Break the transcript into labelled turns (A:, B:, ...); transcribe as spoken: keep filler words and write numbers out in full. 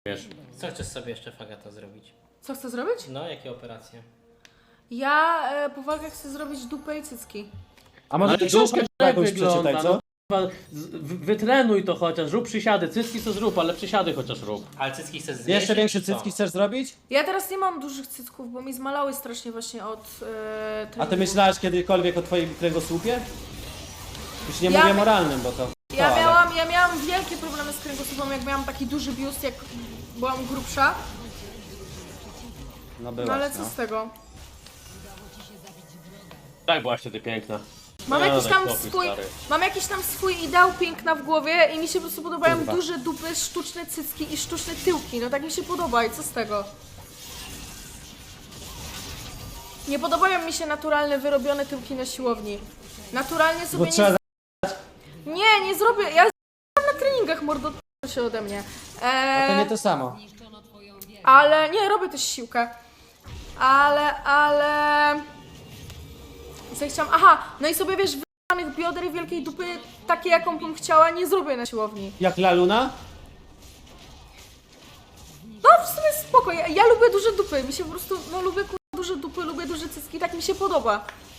A: Wiesz.
B: Co chcesz sobie jeszcze, Fagata, zrobić?
C: Co chcę zrobić?
B: No, jakie operacje?
C: Ja e, po walkach chcę zrobić dupę i cycki.
D: A może
A: Ale
D: książkę
A: dupa
D: tak
A: jakąś
D: wygląda,
A: przeczytaj, co?
D: no, kurwa, z- w- Wytrenuj to chociaż, rób przysiady, cycki co zrób, ale przysiady chociaż rób.
B: Ale cycki chcesz zjeść?
D: Jeszcze większe
B: czy co?
D: cycki chcesz zrobić?
C: Ja teraz nie mam dużych cycków, bo mi zmalały strasznie właśnie od e,
D: A ty
C: treningu.
D: myślałeś kiedykolwiek o twoim kręgosłupie? Już nie
C: Ja
D: mówię
C: my-
D: moralnym, bo to...
C: Ja
D: to, ale-
C: miałam, ja miałam wielkie problemy z kręgosłupem, jak miałam taki duży biust, jak byłam grubsza.
D: No byłaś,
C: No ale
D: no.
C: co z tego?
A: Tak byłaś wtedy piękna.
C: Mam
A: No,
C: jakiś
A: daj
C: tam
A: spokój,
C: swój,
A: stary.
C: mam jakiś tam swój ideał piękna w głowie i mi się po prostu podobają
D: Kurwa.
C: duże dupy, sztuczne cycki i sztuczne tyłki. No tak mi się podoba i co z tego? Nie podobają mi się naturalne, wyrobione tyłki na siłowni. Naturalnie
D: Bo
C: sobie nie...
D: trzeba...
C: Nie, nie zrobię, ja z- na treningach mordo się ode mnie.
D: A to
C: Eee,
D: nie to samo.
C: Ale nie, robię też siłkę. Ale, ale... Co ja chciałam? Aha, no i sobie wiesz, wyrobione bioder i wielkiej dupy, takie jaką bym chciała, nie zrobię na siłowni.
D: Jak La Luna?
C: No w sumie spoko, ja, ja lubię duże dupy, mi się po prostu, no lubię kurwa duże dupy, lubię duże cycki, tak mi się podoba.